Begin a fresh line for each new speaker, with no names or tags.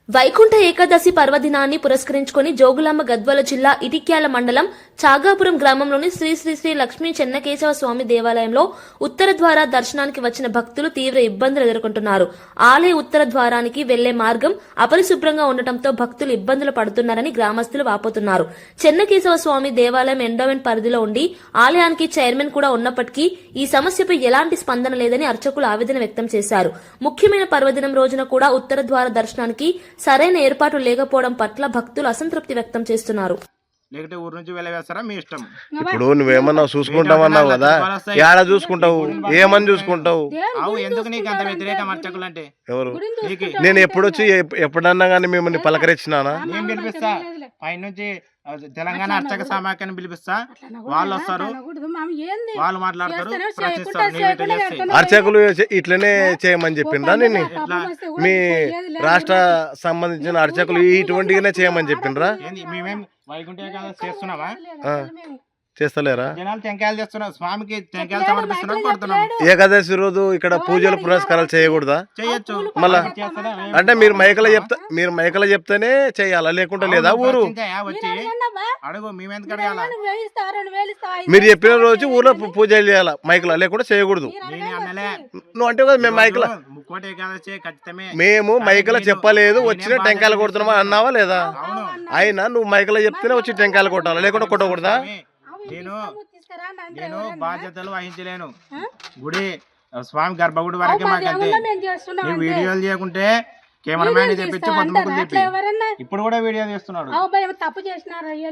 వైకుంఠ ఏకాదశి పర్వదినాన్ని పురస్కరించుకుని జోగులాంబ గద్వాల జిల్లా ఇటిక్యాల మండలం చాగాపురం గ్రామంలోని శ్రీ శ్రీ శ్రీ లక్ష్మీ చెన్నకేశవ స్వామి దేవాలయంలో ఉత్తర ద్వార దర్శనానికి వచ్చిన భక్తులు తీవ్ర ఇబ్బందులు ఎదుర్కొంటున్నారు. ఆలయ ఉత్తర ద్వారానికి వెళ్లే మార్గం అపరిశుభ్రంగా ఉండటంతో భక్తులు ఇబ్బందులు పడుతున్నారని గ్రామస్తులు వాపోతున్నారు. చెన్నకేశవ స్వామి దేవాలయం ఎండోమెంట్ పరిధిలో ఉండి ఆలయానికి చైర్మన్ కూడా ఉన్నప్పటికీ ఈ సమస్యపై ఎలాంటి స్పందన లేదని అర్చకులు ఆవేదన వ్యక్తం చేశారు. ముఖ్యమైన పర్వదినం రోజున కూడా ఉత్తర ద్వార దర్శనానికి సరైన ఏర్పాటు లేకపోవడం పట్ల భక్తులు అసంతృప్తి వ్యక్తం చేస్తున్నారు.
లేకపోతే ఊరు నుంచి వెళ్ళవేస్తారా మీ ఇష్టం.
ఇప్పుడు నువ్వేమన్నా చూసుకుంటావన్నావు కదా, ఏడ చూసుకుంటావు, ఏమని చూసుకుంటావు?
ఎందుకు నీకు అంత వ్యతిరేకం అర్చకులు అంటే?
ఎవరు? నేను ఎప్పుడొచ్చి ఎప్పుడన్నా కానీ మిమ్మల్ని పలకరించినానా?
నేను పిలిపిస్తా, పైనుంచి తెలంగాణ అర్చక సమాఖ్యను పిలిపిస్తా, వాళ్ళు వస్తారు, వాళ్ళు మాట్లాడతారు, ప్రశ్నిస్తారు.
అర్చకులు ఇట్లనే చేయమని చెప్పిండ్రా? నేను మీ రాష్ట్ర సంబంధించిన అర్చకులు ఇటువంటిగానే చేయమని చెప్పిండ్రా?
మేమేం వైకుంఠ ఏకాదశి చేస్తున్నావా?
చేస్తలేరా?
జనాలు టెంకాయలు చేస్తున్నారు, స్వామికి టెంకాయలు సమర్పిస్తున్నారు, కొడుతున్నాం.
ఏకాదశి రోజు ఇక్కడ పూజలు పురస్కారాలు చేయకూడదా?
చేయొచ్చు.
మళ్ళా అంటే మీరు మైకలో చెప్తేనే చేయాలా, లేకుంటే లేదా? ఊరు
వచ్చి అడుగు, మేమెందుకు అడగాల?
మీరు చెప్పిన రోజు ఊర్లో పూజలు చేయాలా మైకలో, లేకుంటే చేయకూడదు. నువ్వు అంటే కదా మేము మైకలో,
ముక్కోటి ఏకాదశి ఖచ్చితమే.
మేము మైకలో చెప్పలేదు, వచ్చిన టెంకాయలు కొడుతున్నామా అన్నావా లేదా? అయినా నువ్వు మైకలో చెప్తేనే వచ్చి టెంకాయలు కొట్టాలా, లేకుంటే కొట్టకూడదా?
నేను బాధ్యతలు వహించలేను. గుడి స్వామి గర్భగుడి వరకే మాకంతే. నువ్వు వీడియోలు చేయకుంటే కెమెరామ్యాన్ తెప్పించి పొద్దుముక్కులు తెప్పి ఇప్పుడు కూడా వీడియో తీస్తున్నాడు.
తప్పు చేసినారు.